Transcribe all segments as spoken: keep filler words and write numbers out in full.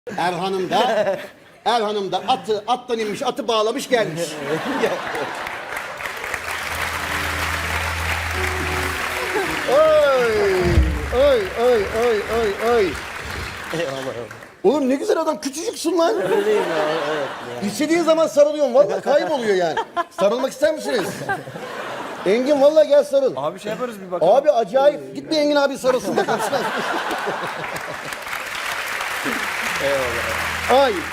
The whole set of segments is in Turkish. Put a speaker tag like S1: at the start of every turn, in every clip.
S1: Erhan'ım da Erhan'ım da atı attan inmiş, atı bağlamış gelmiş. Oy oy oy oy oy oy. Oğlum ne güzel adam, küçücüksün lan.
S2: Öyleyim ya, evet. Ya.
S1: İstediğin zaman sarılıyorum, vallahi kayboluyor yani. Sarılmak ister misiniz? Engin vallahi gel sarıl.
S3: Abi şey yaparız bir bakalım.
S1: Abi acayip. Git bir Engin abi sarılsın bakalım. Eyvallah. Ay.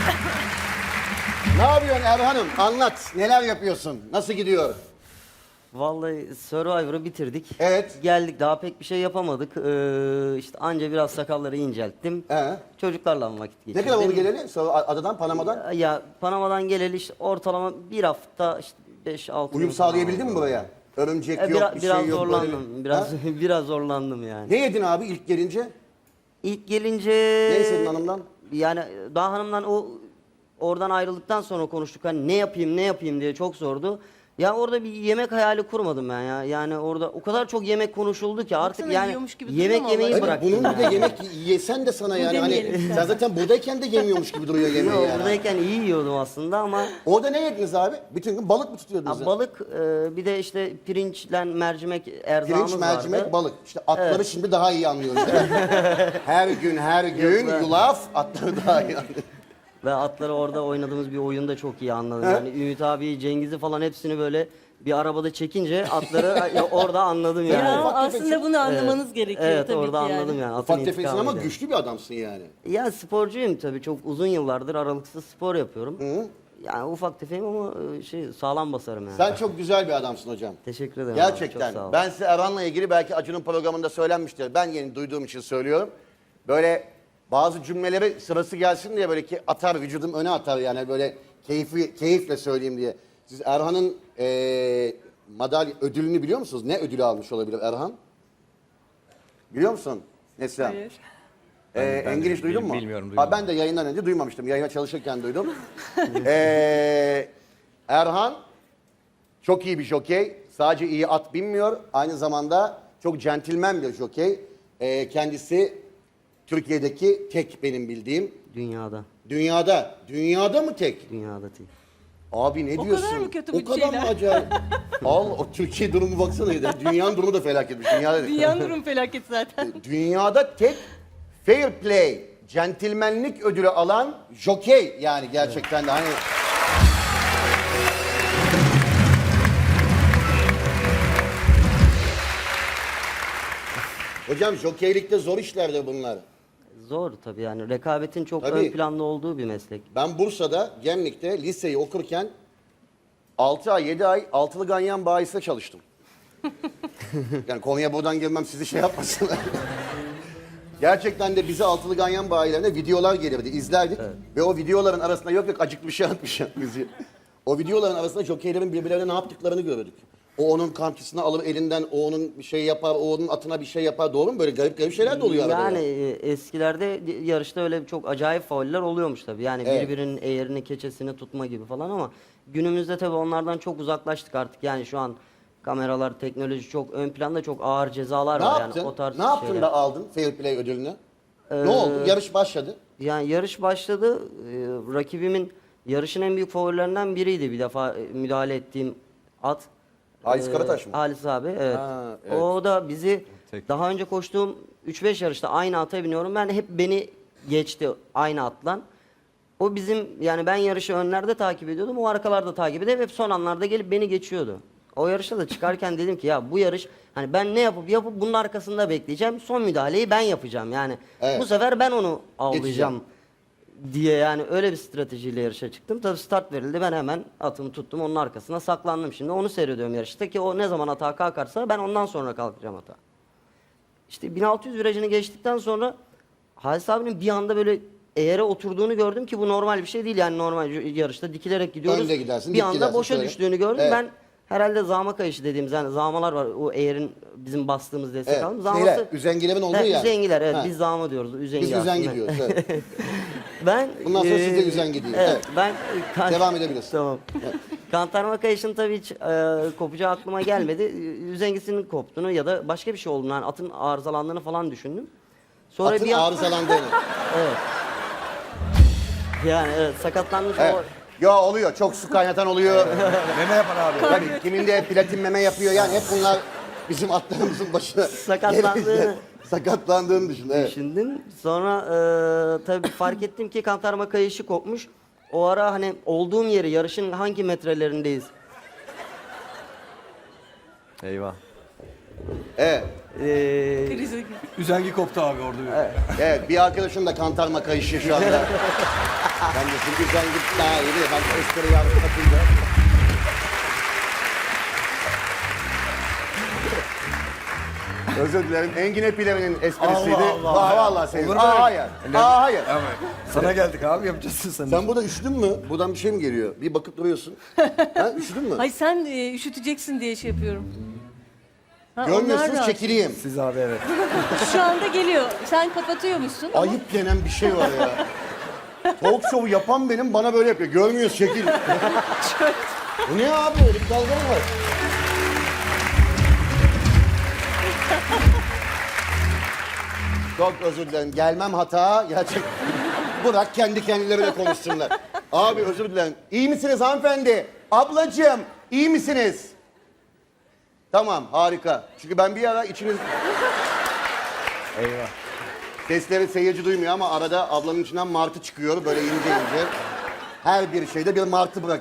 S1: Ne yapıyorsun Erhan'ım? Anlat. Neler yapıyorsun? Nasıl gidiyor?
S2: Vallahi Survivor'ı bitirdik.
S1: Evet.
S2: Geldik, daha pek bir şey yapamadık. Ee, işte anca biraz sakalları incelttim.
S1: He.
S2: Çocuklarla vakit
S1: Ne
S2: geçirdim.
S1: kadar oldu geleli? Sonra adadan, Panama'dan.
S2: Ya Panama'dan geleli işte ortalama bir hafta işte beş altı
S1: Uyum sağlayabildin mi buraya? Örümcek
S2: E,
S1: yok,
S2: biraz,
S1: bir
S2: biraz
S1: şey yok.
S2: zorlandım.
S1: Böyle.
S2: Biraz
S1: Ha?
S2: biraz zorlandım yani.
S1: Ne yedin abi ilk gelince?
S2: İlk gelince
S1: Ne istedin hanımdan?
S2: Yani daha hanımdan o oradan ayrıldıktan sonra konuştuk. Hani ne yapayım ne yapayım diye çok zordu. Ya orada bir yemek hayali kurmadım ben ya. Yani orada o kadar çok yemek konuşuldu ki artık
S4: Baksana,
S2: yani
S4: yiyormuş gibi
S2: yemek
S4: duruyor mu
S2: yemeyi
S4: Allah?
S1: Evet,
S2: bıraktım.
S1: bunun bir
S2: yani.
S1: de yemek yesen de sana yani hani
S4: demeyelim
S1: sen zaten buradayken de yemiyormuş gibi duruyor yemeği
S2: Yok,
S1: yani.
S2: buradayken iyi yiyordum aslında ama
S1: Orada ne yediniz abi? Bütün gün balık mı tutuyordunuz?
S2: ya
S1: ya?
S2: balık e, bir de işte pirinçle mercimek erzağımız
S1: Pirinç, mercimek,
S2: vardı.
S1: balık. İşte atları şimdi daha iyi anlıyoruz değil mi? Her gün her gün
S2: Yok be.
S1: yulaf, atları daha iyi anlıyoruz.
S2: Ve atları orada oynadığımız bir oyunda çok iyi anladım.
S1: He?
S2: Yani Ümit abi, Cengiz'i falan hepsini böyle bir arabada çekince atları ya orada anladım yani.
S4: Ya
S1: Ufak tefek
S4: aslında bunu anlamanız gerekiyor
S2: Evet,
S4: tabii
S2: orada
S4: ki yani.
S2: anladım yani. Atın
S1: Ufak tefeksin ama
S2: intikamıydı.
S1: güçlü bir adamsın yani.
S2: Ya sporcuyum tabii, çok uzun yıllardır aralıksız spor yapıyorum. Yani ufak tefeyim ama e, şey sağlam basarım yani.
S1: Sen çok güzel bir adamsın hocam.
S2: Teşekkür ederim. abi,
S1: Gerçekten.
S2: çok sağ ol.
S1: Ben size Erhan'la ilgili belki Acun'un programında söylenmiştir. Ben yeni duyduğum için söylüyorum. Böyle bazı cümleleri sırası gelsin diye böyle ki atar, vücudum öne atar yani böyle keyfi, keyifle söyleyeyim diye. Siz Erhan'ın eee madalya ödülünü biliyor musunuz? Ne ödülü almış olabilir Erhan? Biliyor musun Neslihan?
S4: Hayır.
S1: Ee,
S3: ben
S1: Engin
S3: de
S1: hiç duydun
S3: bil-
S1: mu?
S3: bilmiyorum,
S1: Ha,
S3: duymadım.
S1: ben de yayından önce duymamıştım. Yayına çalışırken duydum. ee, Erhan çok iyi bir jokey. Sadece iyi at binmiyor. Aynı zamanda çok centilmen bir jokey. Ee, kendisi Türkiye'deki tek benim bildiğim.
S2: Dünyada.
S1: Dünyada. Dünyada mı tek?
S2: Dünyada değil.
S1: Abi ne
S4: O
S1: diyorsun?
S4: kadar mı kötü
S1: O
S4: bu
S1: kadar
S4: şeyler?
S1: mı acayip? Al o Türkiye durumu baksana. ya. Dünyanın durumu da felaketmiş. Dünyada
S4: Dünyanın durum felaket zaten.
S1: Dünyada tek fair play, centilmenlik ödülü alan jokey yani gerçekten de hani. Hocam jokeylikte zor işlerdir bunlar.
S2: Zor tabii yani, rekabetin çok
S1: Tabii.
S2: ön planda olduğu bir meslek.
S1: Ben Bursa'da, Gemlik'te liseyi okurken altı ay, yedi ay altılı ganyan bayisinde çalıştım. Yani konuya buradan girmem sizi şey yapmasınlar. Gerçekten de bize altılı ganyan bayilerine videolar gelirdi, izlerdik. Ve o videoların arasında yok yok acıklı bir şey atmış bizi. O videoların arasında jokeylerin birbirlerine ne yaptıklarını gördük. O onun kankisini alır elinden, o onun bir şey yapar, o onun atına bir şey yapar. Doğru mu? Böyle garip garip şeyler de oluyor arada.
S2: Yani
S1: ya.
S2: e, eskilerde yarışta öyle çok acayip fauller oluyormuş tabii. Yani
S1: Evet.
S2: birbirinin eğerini, keçesini tutma gibi falan ama günümüzde tabii onlardan çok uzaklaştık artık. Yani şu an kameralar, teknoloji çok ön planda, çok ağır cezalar
S1: Ne
S2: var
S1: yaptın?
S2: yani o tarz
S1: ne yaptın
S2: şeyler.
S1: da aldın Fair Play ödülünü?
S2: Ee,
S1: ne oldu? Yarış başladı.
S2: Yani yarış başladı. Ee, rakibimin yarışın en büyük favorilerinden biriydi bir defa e, müdahale ettiğim at.
S1: Halis
S2: Ee,
S1: Karataş mı?
S2: Halis abi, evet.
S1: Ha, evet.
S2: O da bizi
S3: Tek.
S2: daha önce koştuğum üç beş yarışta aynı ata biniyorum. Ben hep beni geçti aynı atlan. O bizim yani ben yarışı önlerde takip ediyordum. O arkalarda takip edip hep son anlarda gelip beni geçiyordu. O yarışta da çıkarken dedim ki ya bu yarış hani ben ne yapıp yapıp bunun arkasında bekleyeceğim. Son müdahaleyi ben yapacağım. Yani
S1: Evet.
S2: bu sefer ben onu avlayacağım diye yani öyle bir stratejiyle yarışa çıktım. Tabii start verildi, ben hemen atımı tuttum, onun arkasına saklandım. Şimdi onu seyrediyorum yarışta ki o ne zaman atağa kalkarsa ben ondan sonra kalkacağım atağa. İşte bin altı yüz virajını geçtikten sonra Halis abinin bir anda böyle eğere oturduğunu gördüm ki bu normal bir şey değil yani, normal yarışta dikilerek gidiyoruz.
S1: Önde gidersin,
S2: bir
S1: dik
S2: anda
S1: gidersin,
S2: boşa
S1: şöyle.
S2: düştüğünü gördüm.
S1: Evet.
S2: Ben herhalde zama kayışı dediğimiz yani zamalar var o eğerin bizim bastığımız destek
S1: Evet.
S2: aldım.
S1: Şeyler, üzengilerin olduğu
S2: He,
S1: yer.
S2: Üzengiler, evet,
S1: Ha.
S2: biz zama diyoruz. Üzengi
S1: Biz üzen
S2: aslında.
S1: gidiyoruz. Evet.
S2: Ben
S1: Bundan sonra
S2: eee,
S1: siz de üzengi deyin.
S2: Evet,
S1: Evet.
S2: ben kan-
S1: Devam edebilirsin.
S2: Tamam. Kantarma kayışın tabii hiç eee kopacağı aklıma gelmedi. Üzengisinin koptuğunu ya da başka bir şey olduğunu, yani atın arızalandığını falan düşündüm. Sonra
S1: Atın
S2: bir an-
S1: arızalandığını.
S2: Evet. Yani evet, sakatlanmış
S1: Evet.
S2: o.
S1: Ya oluyor. Çok su kaynatan oluyor.
S3: Meme yapan abi.
S1: Tabii kiminde platin meme yapıyor. Yani hep bunlar bizim atlarımızın başına.
S2: Sakatlandığını-
S1: Sakatlandığını düşün. Evet.
S2: Düşündüm. Sonra e, tabii fark ettim ki kantarma kayışı kopmuş. O ara hani olduğum yeri, yarışın hangi metrelerindeyiz?
S3: Eyvah.
S1: Evet.
S2: Ee,
S4: Krize gir.
S3: Üzengi koptu abi orada. bir.
S1: Evet. Bir arkadaşım da kantarma kayışı şu anda. Ben de çünkü sen git daha iyi. Ben espri yardım atınca. Özür dilerim. Engin Pilavı'nın esprisiydi.
S3: Allah Allah.
S1: Aa, vallahi senin.
S3: Olur mu
S1: Aa,
S3: öyle?
S1: hayır. Aa, hayır.
S3: Ama sana geldik abi yapacaksın sen.
S1: Sen burada üşüdün mü? Buradan bir şey mi geliyor? Bir bakıp duruyorsun. Ha, üşüdün mü?
S4: Ay sen e, üşüteceksin diye şey yapıyorum. Ha, onlar
S1: Görmüyorsunuz
S4: da-
S1: çekileyim.
S3: Siz abi evet.
S4: Şu anda geliyor. Sen kapatıyormuşsun.
S1: Ayıp denen bir şey var ya. Talk show yapan benim bana böyle yapıyor. Görmüyoruz şekil. Bu ne abi? Öyle bir dalga mı var? Çok özür dilerim. Gelmem hata. Gerçek. Bırak kendi kendilerine konuşsunlar. Abi özür dilerim. İyi misiniz hanımefendi? Ablacığım iyi misiniz? Tamam harika. Çünkü ben bir ara içiniz...
S3: Eyvah.
S1: Sesleri seyirci duymuyor ama arada ablanın içinden martı çıkıyor böyle ince ince. Her bir şeyde bir martı bırak.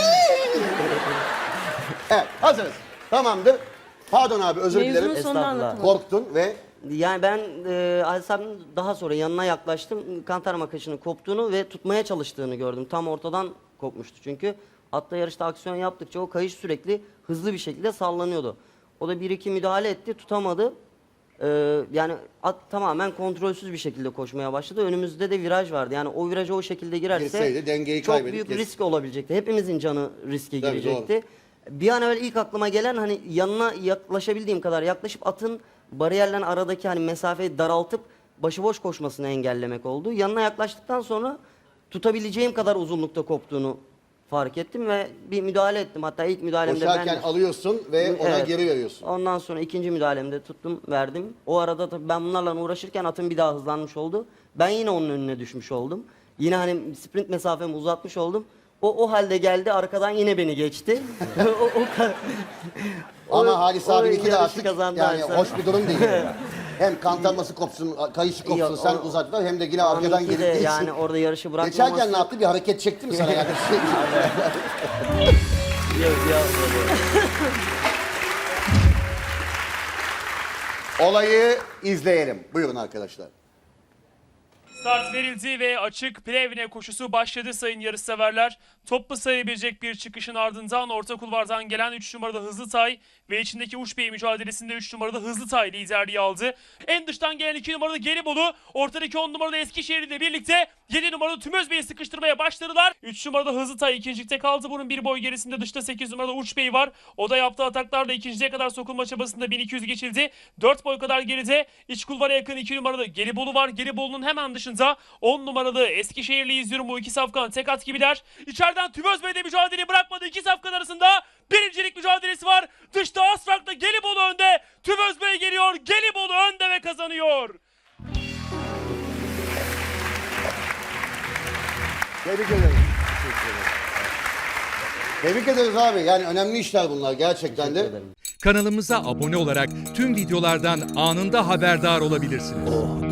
S1: Evet hazırız. Tamamdır. Pardon abi özür
S4: Mevzunun
S1: dilerim.
S4: sonunu
S2: Estağfurullah.
S4: anlatamadım.
S1: Korktun ve
S2: Yani ben e, Alsar'ın daha sonra yanına yaklaştım. Kantarma kaşının koptuğunu ve tutmaya çalıştığını gördüm. Tam ortadan kopmuştu çünkü. Hatta yarışta aksiyon yaptıkça o kayış sürekli hızlı bir şekilde sallanıyordu. O da bir iki müdahale etti, tutamadı. Ee, yani at tamamen kontrolsüz bir şekilde koşmaya başladı. Önümüzde de viraj vardı. Yani o viraja o şekilde girerse
S1: Girseydi dengeyi
S2: çok
S1: kaybedip
S2: büyük
S1: kes-
S2: risk olabilecekti. Hepimizin canı riske
S1: Tabii,
S2: girecekti. Bir an evvel ilk aklıma gelen hani yanına yaklaşabildiğim kadar yaklaşıp atın bariyerle aradaki hani mesafeyi daraltıp başıboş koşmasını engellemek oldu. Yanına yaklaştıktan sonra tutabileceğim kadar uzunlukta koptuğunu fark ettim ve bir müdahale ettim. Hatta ilk müdahalemde
S1: koşarken
S2: ben...
S1: alıyorsun ve ona
S2: Evet.
S1: geri veriyorsun.
S2: Ondan sonra ikinci müdahalemde tuttum, verdim. O arada tabii ben bunlarla uğraşırken atım bir daha hızlanmış oldu. Ben yine onun önüne düşmüş oldum. Yine hani sprint mesafemi uzatmış oldum. O o halde geldi, arkadan yine beni geçti. o, o, ka-
S1: Ama
S2: o-
S1: Halis
S2: o
S1: abinki de
S2: yarışı
S1: artık
S2: kazandı
S1: yani
S2: Halis
S1: hoş bir durum değil. Hem kantarması kopsun, kayışı kopsun,
S2: Yok,
S1: sen
S2: o-
S1: uzatlar hem de yine arkadan
S2: Onunki
S1: gelip
S2: de
S1: geçsin.
S2: yani orada yarışı bırakmaması...
S1: Geçerken ne yaptı? Bir hareket çekti mi sana yani?
S2: Yok, yok,
S1: Olayı izleyelim. Buyurun arkadaşlar.
S5: Start verildi ve açık Plevne koşusu başladı sayın yarışseverler. Toplu sayılabilecek bir çıkışın ardından orta kulvardan gelen üç numarada Hızlı Tay ve içindeki Uç Bey mücadelesinde üç numarada Hızlı Tay liderliği aldı. En dıştan gelen iki numarada Gelibolu, ortadaki on numarada Eskişehir ile birlikte yedi numarada Tümöz Bey'i sıkıştırmaya başladılar. üç numarada Hızlı Tay ikincilikte kaldı. Bunun bir boy gerisinde dışta sekiz numarada Uç Bey var. O da yaptığı ataklarla ikinciye kadar sokulma çabasında bin iki yüz geçildi. dört boy kadar geride iç kulvara yakın iki numarada Gelibolu var. Gelibolu'nun hemen dışında on numaralı Eskişehirli izliyorum. Bu iki safkan tek at gibiler. İçeriden Tümöz Bey de mücadeleyi bırakmadı. İki safkan arasında birincilik mücadelesi var. Dışta Asfrak'ta Gelibolu önde. Tümöz Bey geliyor. Gelibolu önde ve kazanıyor.
S1: Tebrik ederim. Tebrik ederiz abi. Yani önemli işler bunlar gerçekten de.
S2: ederim.
S6: Kanalımıza abone olarak tüm videolardan anında haberdar olabilirsiniz.